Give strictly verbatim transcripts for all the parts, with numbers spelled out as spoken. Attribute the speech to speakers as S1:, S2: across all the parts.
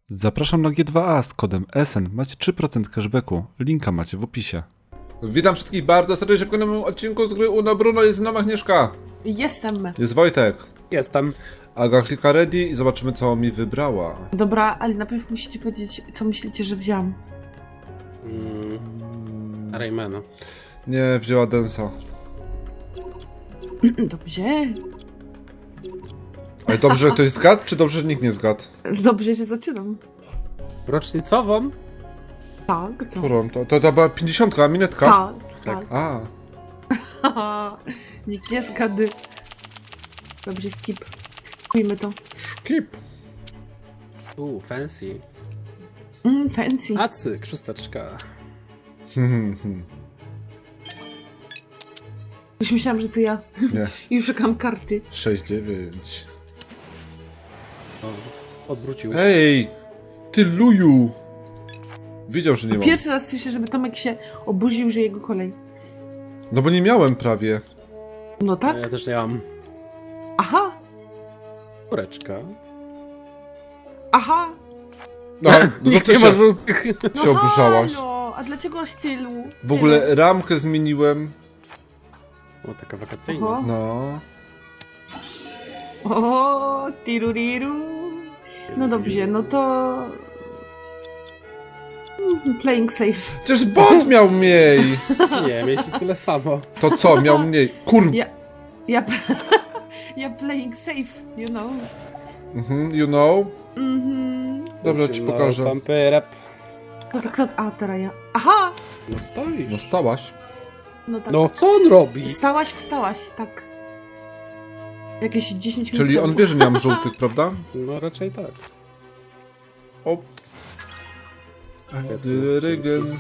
S1: Zapraszam na G dwa A z kodem S N. Macie trzy procent cashbacku. Linka macie w opisie. Witam wszystkich bardzo serdecznie w kolejnym odcinku z gry Uno Bruno. Jest z nami Agnieszka.
S2: Jestem.
S1: Jest Wojtek.
S3: Jestem.
S1: Aga klika ready i zobaczymy, co mi wybrała.
S2: Dobra, ale najpierw musicie powiedzieć, co myślicie, że wziąłem.
S3: Mm. Raymana.
S1: Nie, wzięła Densa.
S2: Dobrze.
S1: Ale dobrze, że ktoś zgadł, czy dobrze, że nikt nie zgadł?
S2: Dobrze, że zaczynam.
S3: Rocznicową?
S2: Tak, co?
S1: Którą? To, to, to była pięćdziesiątka, minetka?
S2: Tak, tak.
S1: A,
S2: Nikt nie zgadł. Dobrze, skip. Skipujmy to.
S1: skip.
S3: Uuu, fancy.
S2: Mm, fancy.
S3: Acyk, szósteczka.
S2: Już myślałam, że to ja.
S1: Nie,
S2: I szukam karty.
S1: sześć dziewięć.
S3: O, odwrócił.
S1: Ej, ty luju. Wiedział, że nie
S2: To
S1: mam.
S2: pierwszy raz słyszę, żeby Tomek się obudził, że jego kolej.
S1: No bo nie miałem prawie.
S2: No tak?
S3: Ja też nie mam.
S2: Aha,
S3: Kureczka.
S2: aha.
S1: No, no to
S3: Nikt
S1: ty
S3: nie
S1: się,
S3: ma żółtych.
S2: No
S1: się oburzałaś.
S2: halo, a dlaczego aż tylu?
S1: W ogóle ramkę zmieniłem.
S3: O, taka wakacyjna.
S2: Oho.
S1: No.
S2: O, tiruriru. No dobrze, no to... Mm, Playing safe.
S1: Przecież bot miał mniej.
S3: Nie, mieliście tyle samo.
S1: To co, miał mniej? Kur...
S2: Ja... Ja... ja playing safe, you know.
S1: Mhm, you know.
S2: Mhm.
S1: Dobra, ci
S3: No,
S1: pokażę.
S3: Pampy, rap.
S2: No to kto... A, teraz ja. Aha!
S3: No stoisz.
S1: No stałaś.
S2: No tak.
S3: No co on robi?
S2: Stałaś, wstałaś, tak. Jakieś dziesięć minut
S1: Czyli on
S2: temu.
S1: wie, że nie mam żółtych, prawda?
S3: No raczej tak.
S1: O. Dyryrygen.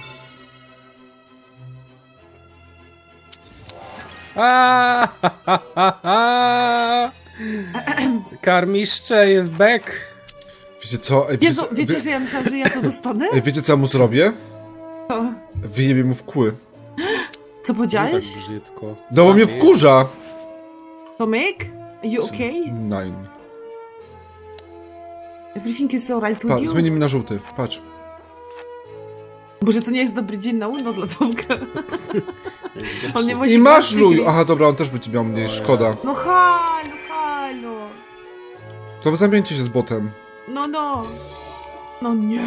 S3: Aaaa, ha, ha, ha, ha. Karmiszcze jest back.
S1: Wiecie co? Ej, wiecie,
S2: Jezu,
S1: co?
S2: wiecie,
S1: Wie...
S2: że ja myślałam, że ja to dostanę?
S1: Ej, wiecie co ja mu zrobię?
S2: Co?
S1: Wyjebie mu w kły.
S2: Co
S3: Tak
S2: powiedziałeś?
S3: brzydko.
S1: No bo mnie wkurza.
S2: Tomek? Are you okay?
S1: Nine.
S2: Everything is alright with
S1: Patrz,
S2: you?
S1: zmienimy na żółty. Patrz.
S2: Boże, to nie jest dobry dzień na Uno dla Tomka. On nie musi
S1: I masz
S2: karty
S1: luju.
S2: gry.
S1: Aha, dobra, on też będzie miał mniej.
S3: O,
S1: Szkoda.
S2: No halo, halo.
S1: To wy zamieńcie się z botem.
S2: No, no. No nie.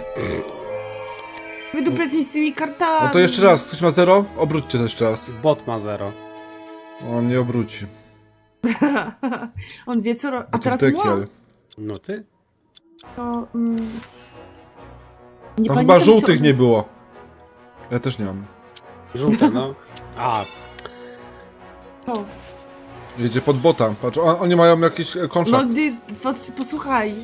S2: Wydupiać mi z tymi kartami.
S1: No to jeszcze raz. Ktoś ma zero? Obróćcie to jeszcze raz.
S3: Bot ma zero.
S1: On nie obróci.
S2: On wie co ro... A
S1: Bo to
S2: teraz
S1: dekiel.
S2: moi?
S3: No ty?
S2: To... Mm... Nie
S1: No chyba
S2: pamiętam,
S1: żółtych
S2: co...
S1: nie było. Ja też nie mam.
S3: Żółte, no. A,
S2: Co?
S1: Jedzie pod bota. Patrz, on, oni mają jakiś e,
S2: No
S1: kontrakt.
S2: ty, pos- posłuchaj.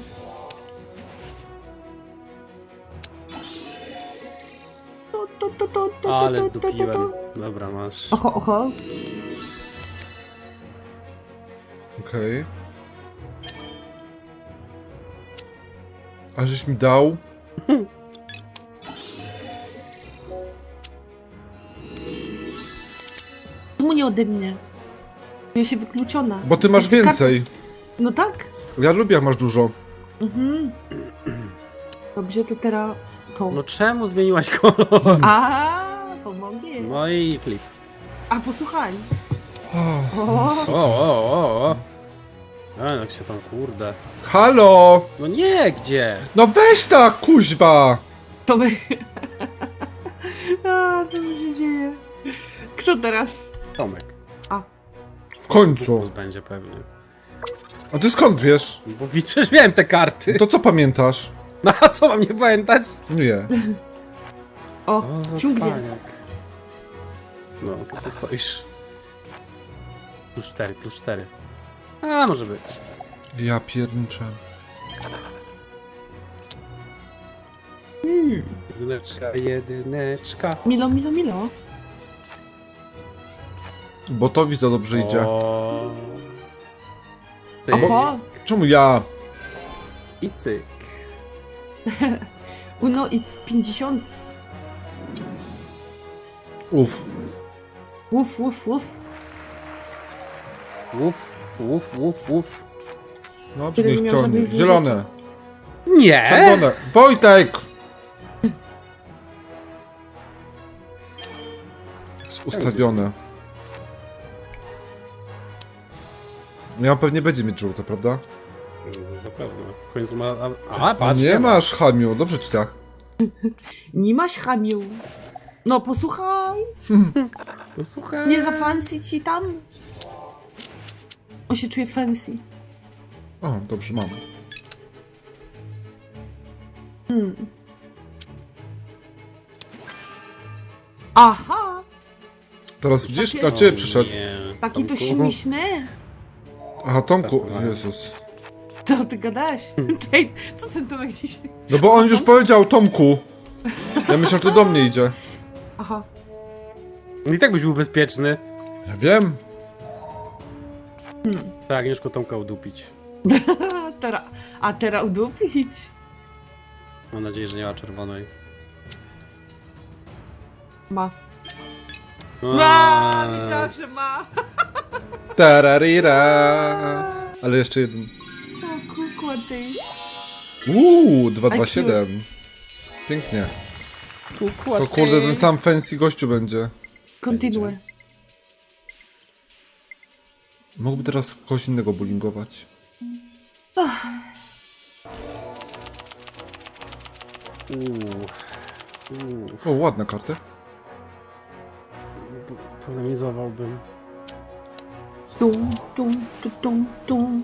S2: To, to, to, to, to,
S3: ale
S2: to, to, to, to.
S3: zdupiłem. Dobra, masz.
S2: Oho, oho.
S1: Okej. A żeś mi dał?
S2: Czemu nie ode mnie? Ja się wykluczona.
S1: Bo ty masz
S2: Jeszcze
S1: więcej.
S2: kart- No tak.
S1: Ja lubię, jak masz dużo.
S2: Mhm. Dobrze, to teraz to.
S3: No czemu zmieniłaś kolor?
S2: A, pomogę.
S3: No i flip.
S2: A posłuchaj.
S1: Oh.
S2: O,
S3: O, o, o, o. A, jak się tam, kurde.
S1: Halo!
S3: No nie, gdzie?
S1: No weź ta, kuźwa!
S2: to my. A, co mi się dzieje? Kto teraz?
S3: Tomek.
S1: W końcu.
S3: Plus będzie pewnie.
S1: A ty skąd wiesz?
S3: Bo przecież miałem te karty.
S1: To co pamiętasz?
S3: No a co mam nie pamiętać?
S1: Nie.
S2: O,
S3: za
S2: ciągnie.
S3: cwaniak. No, co ty stoisz? Plus cztery, plus cztery. A, może być.
S1: Ja pierniczę.
S2: Hmm.
S3: Jedyneczka, jedyneczka.
S2: Milo, milo, milo.
S1: Botowi za dobrze idzie.
S3: O. Ty.
S2: Oho.
S1: Czemu ja?
S3: I cyk.
S2: Uno i pięćdziesiąt.
S1: Uf.
S2: Uf, uf, uf.
S3: Łuf, łuf, łuf, łuf.
S1: No,
S2: Tyle
S1: niech
S2: nie miał
S1: ciągnie.
S2: żadnych
S1: Zielone.
S2: zwierząt.
S3: Nie!
S1: Czerwone. Wojtek! Jest ustawione. Miał pewnie będzie mieć żółte, prawda?
S3: No, zapewne. W końcu ma... A,
S1: A
S3: patrz,
S1: nie masz, Hamiu, dobrze ci tak.
S2: Nie masz chamiu. No posłuchaj.
S3: To słuchaj.
S2: Nie za fancy ci tam. On się czuje fancy.
S1: O, dobrze, mam.
S2: Hmm. Aha.
S1: Teraz widzisz,
S2: Takie-
S1: na ciebie przyszedł.
S3: Nie.
S2: Taki to
S3: Tomku.
S2: śmieszny.
S1: Aha, Tomku,
S3: Żartowałem.
S1: Jezus.
S2: Co ty gadasz? Tej, co ten Tomek dzisiaj?
S1: No bo on już powiedział Tomku. Ja myślę, że to do mnie idzie.
S2: Aha.
S3: I tak byś był bezpieczny.
S1: Ja wiem.
S3: Tak, Agnieszko Tomka udupić.
S2: Teraz. A teraz udupić.
S3: Mam nadzieję, że nie ma czerwonej.
S2: Ma.
S3: No,
S2: Ma! Wiedziałam, że ma.
S1: Tararira. Ale jeszcze jeden.
S2: O kukła ty.
S1: Uuu, dwa dwa siedem. Pięknie. To kurde, ten sam fancy gościu będzie.
S2: Kontynuuj.
S1: Mógłby teraz kogoś innego bullyingować.
S3: Uuu. Uuu.
S1: O, ładna karta.
S3: Po- Polemizowałbym.
S2: Tum, tum, tum, tum, tum.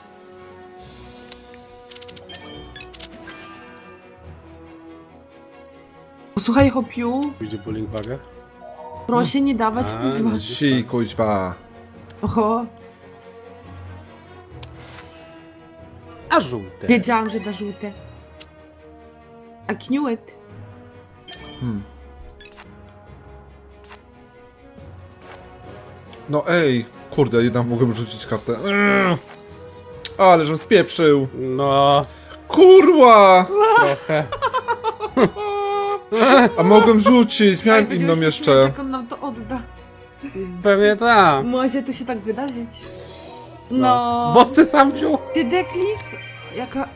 S2: Posłuchaj, Hopiu,
S3: Pójdzie bowling wagę.
S2: proszę nie dawać
S3: A,
S2: plus dwa.
S1: Si, kuźwa.
S2: Oho,
S3: A żółte.
S2: wiedziałam, że da żółte. I knew it.
S1: Hmm. No ej, kurde, jednak mogłem rzucić kartę. Mm. Ale żem spieprzył.
S3: No,
S1: Kurwa!
S3: trochę.
S1: A mogłem rzucić, miałem
S2: Ej,
S1: inną
S2: będziemy się
S1: jeszcze.
S2: śmiać, jak on nam to odda.
S3: Pewnie tak.
S2: Może to się tak wydarzyć. No.
S3: Bo ty sam wziął.
S2: Ty deklic? Jaka...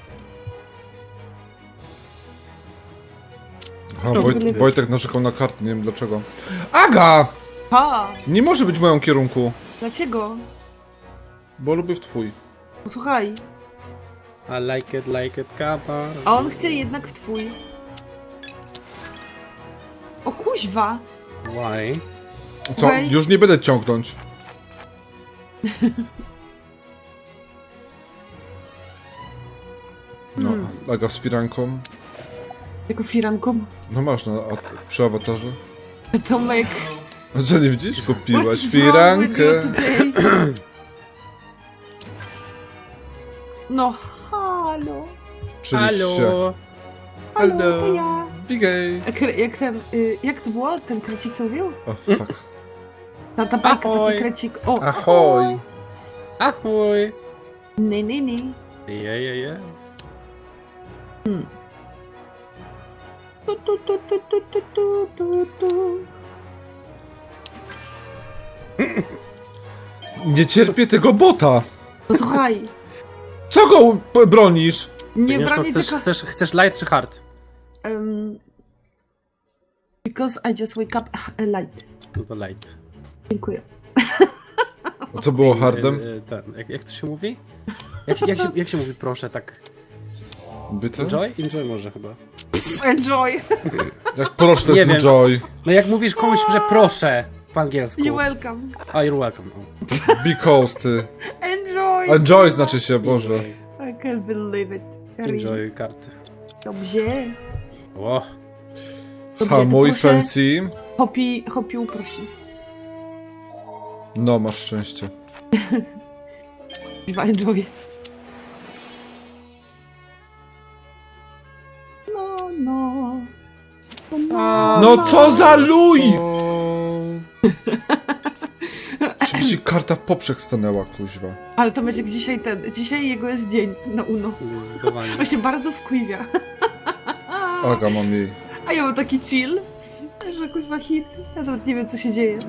S1: Aha, Wojt, Wojtek narzekał na kartę, nie wiem dlaczego. Aga!
S2: Pa!
S1: Nie może być w moim kierunku,
S2: Dlaczego?
S1: bo lubię w twój.
S2: Posłuchaj.
S3: I like it, like it, kappa.
S2: A on chce jednak w twój. O kuźwa!
S3: Why?
S1: Co?
S2: Okej.
S1: Już nie będę ciągnąć. No,
S2: Hmm.
S1: Aga z firanką.
S2: Jako firanką.
S1: No masz na, a, przy awatarze.
S2: Tomek.
S1: A co, nie widzisz? Kupiłaś
S2: what's wrong with you
S1: firankę.
S2: today? No, halo.
S1: Oczywiście.
S3: Halo.
S2: Halo,
S1: Hello.
S2: to ja.
S1: Bigate.
S2: Jak, jak ten, y, jak to było? Ten krecik co mówił?
S1: O, fuck.
S2: Ta, ta bajka,
S3: Ahoj.
S2: taki krecik. O,
S1: Ahoj.
S3: Ahoj.
S2: Nie, nie, nie.
S3: Je, je, je.
S2: Tu, tu, tu, tu, tu, tu, tu, tu, tu.
S1: Nie cierpię tego bota.
S2: Posłuchaj.
S1: Co go p- bronisz?
S2: Nie
S3: Agnieszko,
S2: bronię
S3: chcesz,
S2: tylko...
S3: chcesz, chcesz light czy hard?
S2: Um, because I just wake up uh, light.
S3: No to light.
S2: Dziękuję.
S1: A co było hardem?
S3: E, e, ten, jak, jak to się mówi? Jak, jak, się, jak się mówi proszę tak?
S1: Byte?
S3: Enjoy? Enjoy może chyba.
S2: Enjoy.
S1: Jak proszę, to
S3: Nie
S1: jest
S3: wiem.
S1: enjoy.
S3: No jak mówisz komuś, że proszę po angielsku.
S2: You're welcome.
S3: A, you're welcome. O.
S1: Because ty.
S2: Enjoy.
S1: Enjoy znaczy się, Boże.
S2: I can't believe it. Karin.
S3: Enjoy karty.
S2: Dobrze.
S3: O,
S2: Dobrze,
S1: Ha,
S2: to
S1: mój
S2: proszę.
S1: fancy.
S2: Hopi, hopi uprosi.
S1: No, masz szczęście.
S2: Chyba enjoy. No, no. No, no.
S1: No co za luj!
S3: o.
S1: Żeby ci karta w poprzek stanęła, kuźwa.
S2: Ale to będzie dzisiaj ten, dzisiaj jego jest dzień na Uno.
S3: Zdecydowanie.
S2: On się bardzo wkuwia.
S1: Aga, mam jej.
S2: A ja mam taki chill, że kuźwa hit. Ja nawet nie wiem co się dzieje.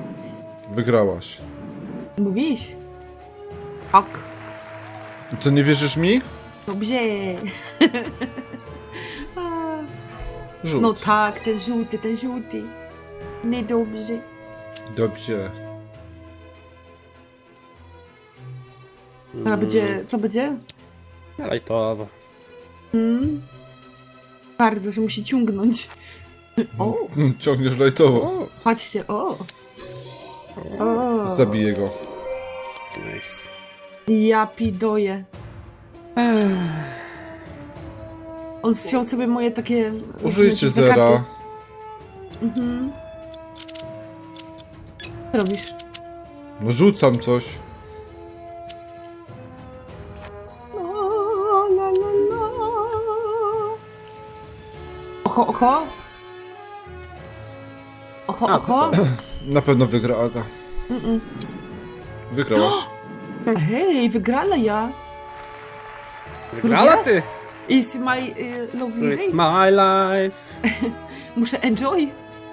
S1: Wygrałaś.
S2: Mówisz? Tak.
S1: Co, nie wierzysz mi?
S2: Dobrze. A,
S1: Żółt.
S2: no tak, ten żółty, ten żółty. Niedobrze.
S1: Dobrze.
S2: A będzie, co będzie?
S3: Lajtowo.
S2: Hmm? Bardzo, że musi ciągnąć. O,
S1: Hmm, ciągniesz lajtowo.
S3: O,
S2: patrzcie, o. O.
S1: Zabiję go.
S3: nice.
S2: Ja pidoję. On wziął sobie moje takie...
S1: Użyjcie
S2: te karty.
S1: zera.
S2: Mhm. Co robisz?
S1: No rzucam coś.
S2: La, la, la, la. Oho, oho. Oho,
S3: A,
S2: oho.
S3: co?
S1: Na pewno wygra Aga.
S2: Mm-mm.
S1: Wygrałaś.
S2: Hej, wygrala ja.
S3: Wygrała ty!
S2: It's my uh, lovely
S3: It's
S2: day.
S3: my life.
S2: Muszę enjoy.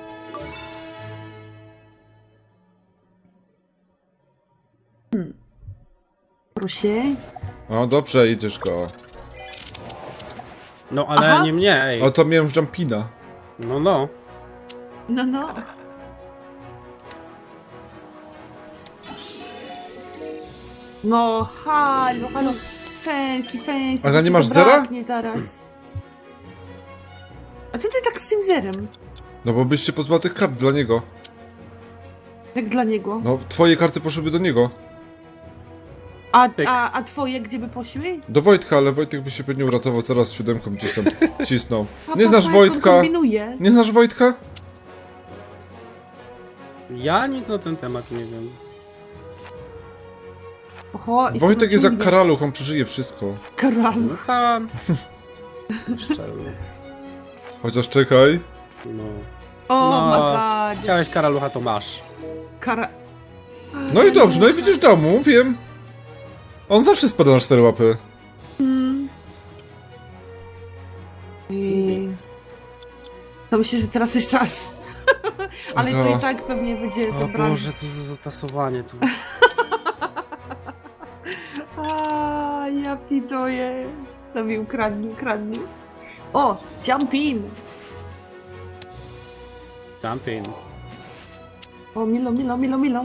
S2: Hmm. Proszę.
S1: O, dobrze, idziesz go.
S3: No ale
S2: Aha.
S3: nie mnie, ej.
S1: O, to miałem już jumpina.
S3: No, no.
S2: No, no. No, halo, halo. Fancy, fancy.
S1: Aga,
S2: bo
S1: nie
S2: ci
S1: masz
S2: zabraknie zaraz. A co ty tak z tym zerem?
S1: No bo byś się pozbyła tych kart dla niego.
S2: Jak dla niego?
S1: No, twoje karty poszłyby do niego.
S2: A,
S3: Pyk.
S2: a, a twoje gdzie by poszły?
S1: Do Wojtka, ale Wojtek by się pewnie uratował, zaraz siódemką cisnął. cisnął.
S2: Pa,
S1: Nie
S2: pa,
S1: znasz
S2: pa, jak on
S1: Wojtka?
S2: kombinuje.
S1: Nie znasz Wojtka?
S3: Ja nic na ten temat nie wiem.
S2: Oho, i
S1: Wojtek
S2: sobie
S1: jest jak
S2: ciągnie.
S1: karaluch, on przeżyje wszystko.
S2: Karalu.
S3: Słucham. Szczelnie.
S1: Chociaż czekaj.
S3: No.
S2: O,
S3: No.
S2: my god.
S3: Chciałeś karalucha, to masz.
S2: Kara...
S1: No i dobrze, no i widzisz domu, wiem. On zawsze spada na cztery łapy.
S2: Mm. I... To myślę, że teraz jest czas. Ale to
S1: Aha.
S2: i tak pewnie będzie
S3: O
S2: zabrane.
S3: Boże, co za zatasowanie tu.
S2: A, ja pitoję. To mi ukradnij, ukradnij. O, jump in.
S3: Jumping.
S2: O, Milo, Milo, Milo, Milo.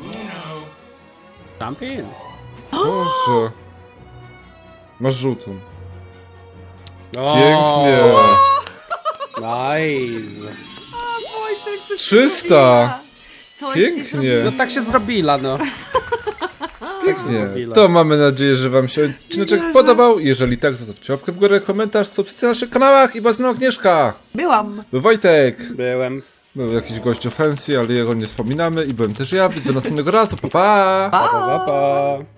S3: Jumping.
S1: Boże. Masz żółtą.
S3: O,
S1: Pięknie.
S3: Nice.
S2: Wojtek, coś
S1: trzysta.
S2: Coś ty
S1: Pięknie.
S2: zrobiła.
S3: No tak się zrobila, no.
S1: Pięknie.
S3: Zrobila.
S1: To mamy nadzieję, że wam się odcineczek
S2: Wierzę.
S1: podobał. Jeżeli tak, zostawcie łapkę w górę, komentarz, subskrypcję na naszych kanałach i was Agnieszka.
S2: Byłam.
S1: Był Wojtek.
S3: Byłem.
S1: Był jakiś gościu fancy, ale jego nie wspominamy i byłem też ja. Do następnego razu. Pa pa!
S3: Pa, pa, pa.